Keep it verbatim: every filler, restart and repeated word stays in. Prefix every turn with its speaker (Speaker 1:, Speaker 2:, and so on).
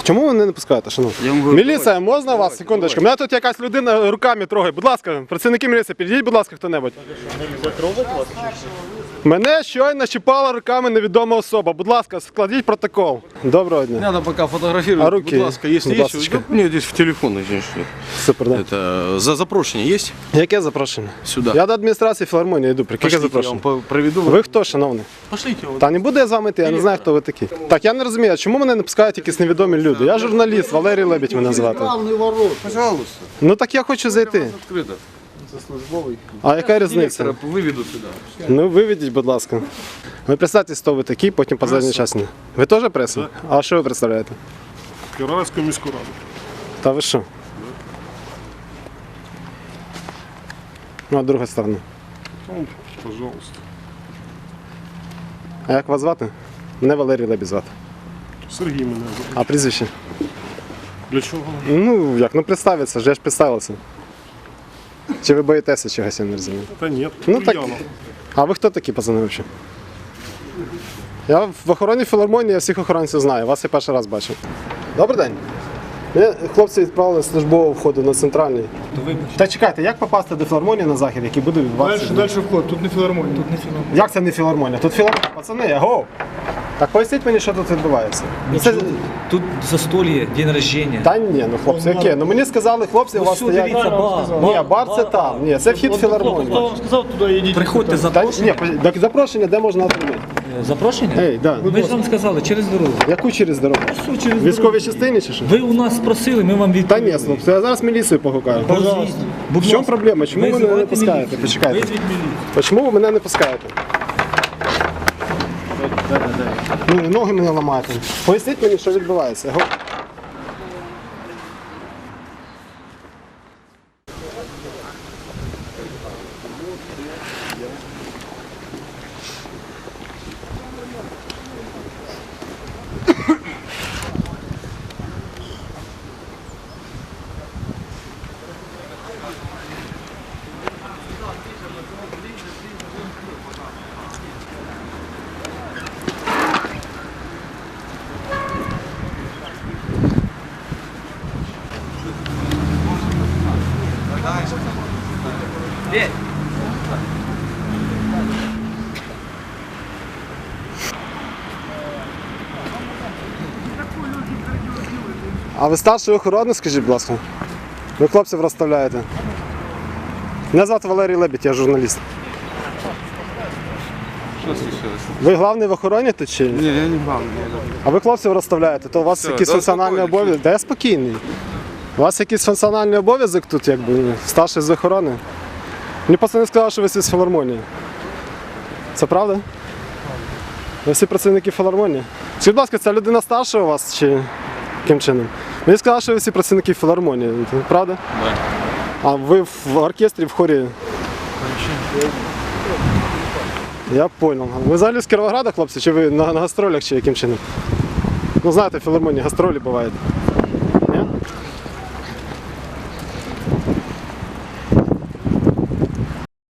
Speaker 1: Чому ви мене не пускаєте, шановні? Міліція, можна вас? Секундочку. Мене тут якась людина руками трогає. Будь ласка, працівники міліції, підійдіть, будь ласка, хто-небудь. Мене щойно чіпала руками невідома особа. Будь ласка, складіть протокол. Доброго дня.
Speaker 2: Не надо пока фотографировать.
Speaker 1: А руки?
Speaker 2: Будь ласка, если
Speaker 1: Будь
Speaker 2: есть, да, мне здесь в телефон.
Speaker 1: Супер, да.
Speaker 2: Это за запрошення есть?
Speaker 1: Яке запрошення?
Speaker 2: Сюди.
Speaker 1: Я до адміністрації філармонії йду. Яке
Speaker 2: Пошлите, я
Speaker 1: запрошення?
Speaker 2: вам проведу.
Speaker 1: Ви хто, шановний?
Speaker 2: Пошлите его.
Speaker 1: Та не буду я з вами йти, я не знаю, хто ви такі. Так, я не розумію, а чому мене не пускають якісь невідомі люди? Я журналіст, Валерій Лебідь мене звати.
Speaker 2: Пожалуйста.
Speaker 1: Ну так я хочу зайти.
Speaker 2: Открыто. Це службовий.
Speaker 1: А яка різниця?
Speaker 2: Директора виведу сюди.
Speaker 1: Ну виведіть, будь ласка. Ви представтесь, хто ви такі, потім по задній часі. Ви теж преса? А що ви представляєте?
Speaker 3: Кіровецьку міську раду.
Speaker 1: Та ви що? Ну, а друга сторона.
Speaker 3: Ну, пожалуйста.
Speaker 1: А як вас звати? Мене Валерій Лебідь звати.
Speaker 3: Сергій мене звати.
Speaker 1: А прізвище?
Speaker 3: Для чого?
Speaker 1: Ну, як, ну представиться ж, я ж представився. Чи ви боїтеся чогось, я не розумію.
Speaker 3: Та ні.
Speaker 1: Ну так.
Speaker 3: Ульяна.
Speaker 1: А ви хто такі, пацани, взагалі? Я в охороні філармонії, я всіх охоронців знаю, вас я перший раз бачив. Добрий день. Мене хлопці відправили з службового входу на центральний. Та чекайте, як попасти до філармонії на захід, який буде відбуватися?
Speaker 3: Далі, далі вход, тут не філармонія. Тут не філармонія.
Speaker 1: Як це не філармонія? Тут філармонія. Пацани, аго! Так поясніть мені, що тут відбувається. Це...
Speaker 4: Тут застолье, день рождения.
Speaker 1: Та ні, ну хлопці, яке? Ну мені сказали, хлопці, у вас
Speaker 4: Все, дивіться,
Speaker 1: стоять...
Speaker 4: бар.
Speaker 1: Ні, бар це там. Ні, це вхід в
Speaker 3: Хто
Speaker 1: філармонію.
Speaker 3: вам сказав, туди йдіть.
Speaker 4: Приходьте
Speaker 1: Та,
Speaker 4: запрошення.
Speaker 1: ні, так запрошення, де можна отримати?
Speaker 4: Запрошення?
Speaker 1: Ей, да.
Speaker 4: Ми ж вам сказали, через дорогу.
Speaker 1: Яку через дорогу?
Speaker 4: Що через
Speaker 1: Військовій
Speaker 4: дорогу?
Speaker 1: частині чи що?
Speaker 4: Ви у нас спросили, ми вам
Speaker 1: Та
Speaker 4: відповіли.
Speaker 1: ні, хлопці, я зараз міліцію погукаю.
Speaker 4: Позвіть. Будь
Speaker 1: В чому
Speaker 4: ласка.
Speaker 1: проблема? Чому ви мене не
Speaker 4: Визивайте
Speaker 1: пускаєте?
Speaker 4: міліцію.
Speaker 1: Почекайте.
Speaker 4: Визвіть міліцію.
Speaker 1: Чому ви мене не пускаєте? Ну, ноги мене ламаєте. Поясніть мені, що відбувається. Го- А ви старший охоронник, скажіть, будь ласка? Ви хлопців розставляєте. Мене звати Валерій Лебідь, я журналіст.
Speaker 2: Що случилось?
Speaker 1: Ви головний в охороні тут чи? ні?
Speaker 2: Ні, я не главний.
Speaker 1: А ви хлопців розставляєте, то у вас
Speaker 2: Все,
Speaker 1: якийсь
Speaker 2: да,
Speaker 1: функціональний
Speaker 2: спокійно.
Speaker 1: обов'язок. Та я спокійний. У вас якийсь функціональний обов'язок тут, якби старший з охорони. Мені пацани сказали, що ви всі з філармонії. Це правда? Ви всі працівники філармонії? Скажіть, будь ласка, ця людина старша у вас чи яким чином? Мені сказали, що ви всі працівники філармонії. Це правда?
Speaker 2: Так.
Speaker 1: А ви в оркестрі, в хорі? Я зрозумів. Ви взагалі з Кіровограда, хлопці, чи ви на, на гастролях, чи яким чином? Ну знаєте, в філармонії гастролі бувають. Ні?